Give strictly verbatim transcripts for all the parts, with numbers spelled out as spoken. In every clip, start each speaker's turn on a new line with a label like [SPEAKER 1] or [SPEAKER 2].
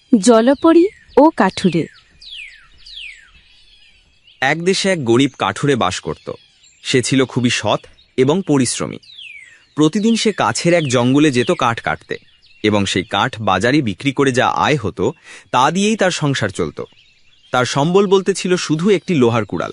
[SPEAKER 1] জলপরী ও কাঠুরে।
[SPEAKER 2] এক দেশে এক গরিব কাঠুরে বাস করত। সে ছিল খুবই সৎ এবং পরিশ্রমী। প্রতিদিন সে কাছের এক জঙ্গলে যেত কাঠ কাটতে, এবং সেই কাঠ বাজারে বিক্রি করে যা আয় হতো তা দিয়েই তার সংসার চলত। তার সম্বল বলতে ছিল শুধু একটি লোহার কুড়াল।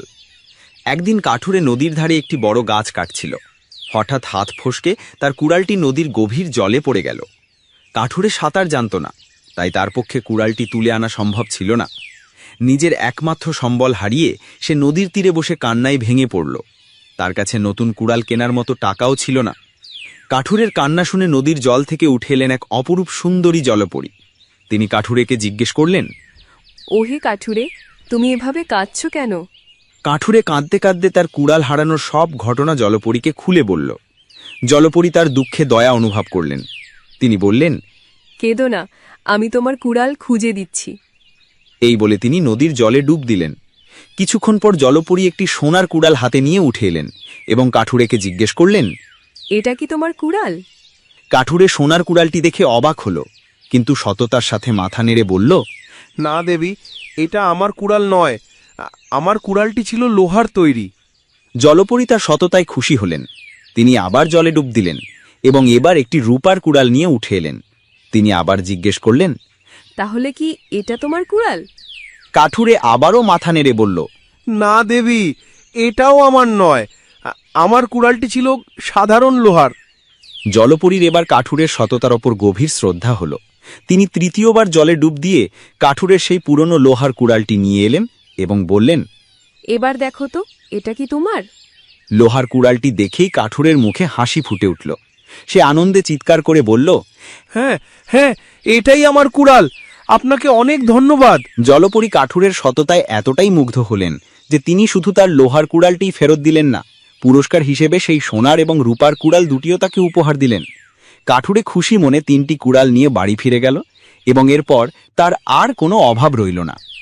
[SPEAKER 2] একদিন কাঠুরে নদীর ধারে একটি বড় গাছ কাটছিল। হঠাৎ হাত ফসকে তার কুড়ালটি নদীর গভীর জলে পড়ে গেল। কাঠুরে সাঁতার জানত না, তাই তার পক্ষে কুড়ালটি তুলে আনা সম্ভব ছিল না। নিজের একমাত্র সম্বল হারিয়ে সে নদীর তীরে বসে কান্নায় ভেঙে পড়ল। তার কাছে নতুন কুড়াল কেনার মতো টাকাও ছিল না। কাঠুরের কান্না শুনে নদীর জল থেকে উঠে এলেন এক অপরূপ সুন্দরী জলপরী। তিনি কাঠুরেকে জিজ্ঞেস করলেন,
[SPEAKER 3] ওহে কাঠুরে, তুমি এভাবে কাঁদছ কেন?
[SPEAKER 2] কাঠুরে কাঁদতে কাঁদতে তার কুড়াল হারানোর সব ঘটনা জলপরীকে খুলে বলল। জলপরী তার দুঃখে দয়া অনুভব করলেন। তিনি বললেন,
[SPEAKER 3] কেঁদো না, আমি তোমার কুড়াল খুঁজে দিচ্ছি।
[SPEAKER 2] এই বলে তিনি নদীর জলে ডুব দিলেন। কিছুক্ষণ পর জলপরী একটি সোনার কুড়াল হাতে নিয়ে উঠে এলেন এবং কাঠুরেকে জিজ্ঞেস করলেন,
[SPEAKER 3] এটা কি তোমার কুড়াল?
[SPEAKER 2] কাঠুরে সোনার কুড়ালটি দেখে অবাক হল, কিন্তু সততার সাথে মাথা নেড়ে বলল,
[SPEAKER 4] না দেবী, এটা আমার কুড়াল নয়। আমার কুড়ালটি ছিল লোহার তৈরি।
[SPEAKER 2] জলপরী তার সততায় খুশি হলেন। তিনি আবার জলে ডুব দিলেন এবং এবার একটি রূপার কুড়াল নিয়ে উঠে এলেন। তিনি আবার জিজ্ঞেস করলেন,
[SPEAKER 3] তাহলে কি এটা তোমার কুড়াল?
[SPEAKER 2] কাঠুরে আবারও মাথা নেড়ে বলল,
[SPEAKER 4] না দেবী, এটাও আমার নয়। আমার কুড়ালটি ছিল সাধারণ লোহার।
[SPEAKER 2] জলপরীর এবার কাঠুরের সততার ওপর গভীর শ্রদ্ধা হল। তিনি তৃতীয়বার জলে ডুব দিয়ে কাঠুরের সেই পুরনো লোহার কুড়ালটি নিয়ে এলেন এবং বললেন,
[SPEAKER 3] এবার দেখো তো, এটা কি তোমার?
[SPEAKER 2] লোহার কুড়ালটি দেখেই কাঠুরের মুখে হাসি ফুটে উঠল। সে আনন্দে চিৎকার করে বলল,
[SPEAKER 4] হ্যাঁ হ্যাঁ, এটাই আমার কুড়াল। আপনাকে অনেক ধন্যবাদ।
[SPEAKER 2] জলপরী কাঠুরের সততায় এতটাই মুগ্ধ হলেন যে তিনি শুধু তার লোহার কুড়ালটি ফেরত দিলেন না, পুরস্কার হিসেবে সেই সোনার এবং রূপার কুড়াল দুটিও তাকে উপহার দিলেন। কাঠুরে খুশি মনে তিনটি কুড়াল নিয়ে বাড়ি ফিরে গেল এবং এরপর তার আর কোনো অভাব রইল না।